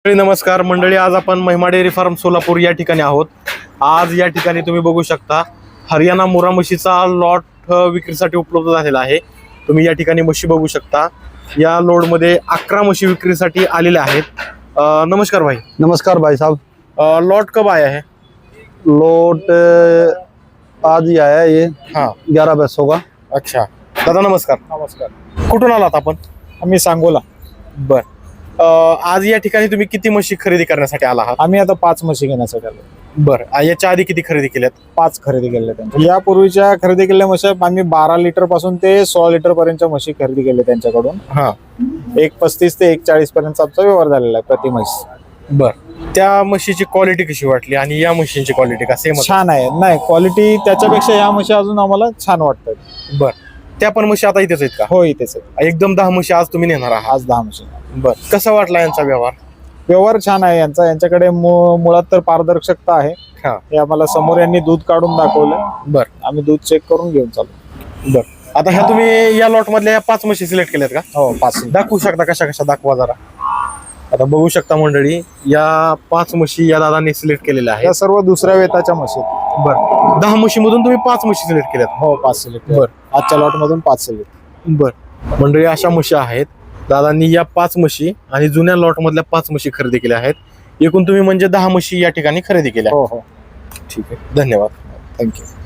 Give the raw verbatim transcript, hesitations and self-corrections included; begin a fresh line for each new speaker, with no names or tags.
नमस्कार मंडळी, आज आपण महिमा डेअरी फार्म सोलापूर या ठिकाणी आहोत। आज या ठिकाणी तुम्ही बघू शकता हरियाणा मुरा म्हशीचा लॉट विक्रीसाठी उपलब्ध झालेला आहे। तुम्ही या ठिकाणी म्हशी बघू शकता। या लोड मध्ये अकरा म्हशी विक्रीसाठी आलेल्या आहेत। अ, नमस्कार भाई।
नमस्कार भाई साहब।
अ, लॉट कब आया है?
लोट अ, आज ही आया ये
हाँ,
ग्यारह पैसों का।
अच्छा दादा नमस्कार।
नमस्कार।
कुठून आलात आपण?
आम्ही सांगोला।
बर, अ, आज या ठिकाणी तुम्ही किती म्हशी खरेदी करण्यासाठी आला आहात?
आम्ही आता पाच म्हशी घेण्यासाठी आलो।
बर, याच्या आधी किती खरेदी केल्यात?
पाच खरेदी केल्या त्यांच्या यापूर्वीच्या खरेदी केलेल्या म्हशी आम्ही बारा लिटर पासून ते सोळा लिटर पर्यंतच्या म्हशी खरेदी केल्या त्यांच्याकडून।
हा,
एक पस्तीस ते एक चाळीस पर्यंत आमचा व्यवहार झालेला आहे प्रति म्हैस।
बर, त्या म्हशीची क्वालिटी कशी वाटली आणि या म्हशींची क्वालिटी का सेम?
छान आहे, नाही क्वालिटी त्याच्यापेक्षा ह्या म्हशी अजून आम्हाला छान वाटतात।
बर, त्या पण म्हशी आता इथेच आहेत का?
हो, इथेच आहे।
एकदम दहा म्हशी आज तुम्ही नेणार आहात?
आज दहा म्हशी।
बर, कसा वाटला यांचा व्यवहार?
व्यवहार छान आहे यांचा। यांच्याकडे मु- मुळात तर पारदर्शकता आहे।
हा,
हे आम्हाला समोर यांनी दूध काढून दाखवलं,
बर
आम्ही दूध चेक करून घेऊन चालू।
बर। आता ह्या तुम्ही या लॉट मधल्या या पाच म्हशी सिलेक्ट केल्यात का?
हो, पाच।
दाखवू शकता कशा कशा, दाखवा जरा। आता बघू शकता मंडळी, या पाच म्हशी या दादांनी सिलेक्ट केलेल्या
या
आहेत।
सर्व दुसऱ्या वेताच्या म्हशी आहेत।
बर, दहा म्हशी मधून तुम्ही पाच म्हशी सिलेक्ट केल्यात?
हो, पाच सिलेक्ट।
बर,
आजच्या लॉट मधून पाच सिलेक्ट।
बर मंडळी, अशा म्हशी आहेत। दादांनी या पाच म्हशी आणि जुन्या लॉट मधल्या पाच म्हशी खरेदी केल्या आहेत। एकूण तुम्ही म्हणजे दहा म्हशी या ठिकाणी खरेदी केल्या।
हो हो,
ठीक आहे, धन्यवाद।
थँक्यू।